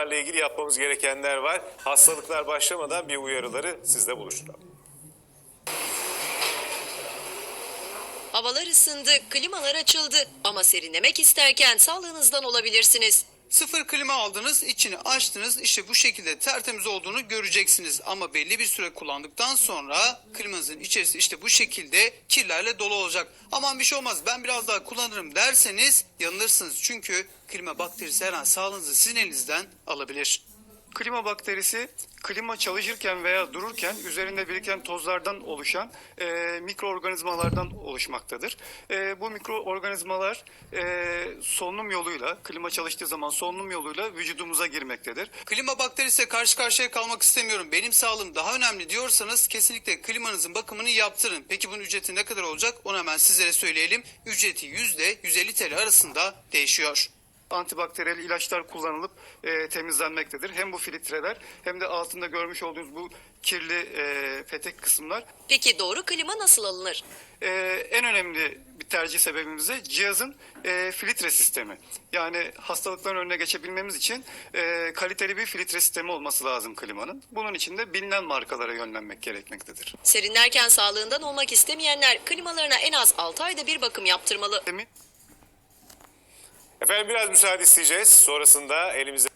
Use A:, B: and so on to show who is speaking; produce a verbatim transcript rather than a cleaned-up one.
A: klimalarla ilgili yapmamız gerekenler var. Hastalıklar başlamadan bir uyarıları sizle buluşturalım.
B: Havalar ısındı, klimalar açıldı ama serinlemek isterken sağlığınızdan olabilirsiniz.
C: Sıfır klima aldınız, içini açtınız, işte bu şekilde tertemiz olduğunu göreceksiniz. Ama belli bir süre kullandıktan sonra klimanızın içerisi işte bu şekilde kirlerle dolu olacak. Aman bir şey olmaz, ben biraz daha kullanırım derseniz yanılırsınız. Çünkü klima bakterisi her an sağlığınızı sizin elinizden alabilir.
D: Klima bakterisi klima çalışırken veya dururken üzerinde biriken tozlardan oluşan e, mikroorganizmalardan oluşmaktadır. E, bu mikroorganizmalar e, solunum yoluyla, klima çalıştığı zaman solunum yoluyla vücudumuza girmektedir.
C: Klima bakterisiyle karşı karşıya kalmak istemiyorum, benim sağlığım daha önemli diyorsanız kesinlikle klimanızın bakımını yaptırın. Peki bunun ücreti ne kadar olacak? Onu hemen sizlere söyleyelim. Ücreti yüzde yüz elli T L arasında değişiyor.
D: Antibakteriyel ilaçlar kullanılıp e, temizlenmektedir. Hem bu filtreler hem de altında görmüş olduğunuz bu kirli e, petek kısımlar.
B: Peki doğru klima nasıl alınır?
D: E, en önemli bir tercih sebebimiz de cihazın e, filtre sistemi. Yani hastalıkların önüne geçebilmemiz için e, kaliteli bir filtre sistemi olması lazım klimanın. Bunun için de bilinen markalara yönlenmek gerekmektedir.
B: Serinlerken sağlığından olmak istemeyenler klimalarına en az altı ayda bir bakım yaptırmalı.
D: Demin
A: Efendim biraz müsaade isteyeceğiz. Sonrasında elimizde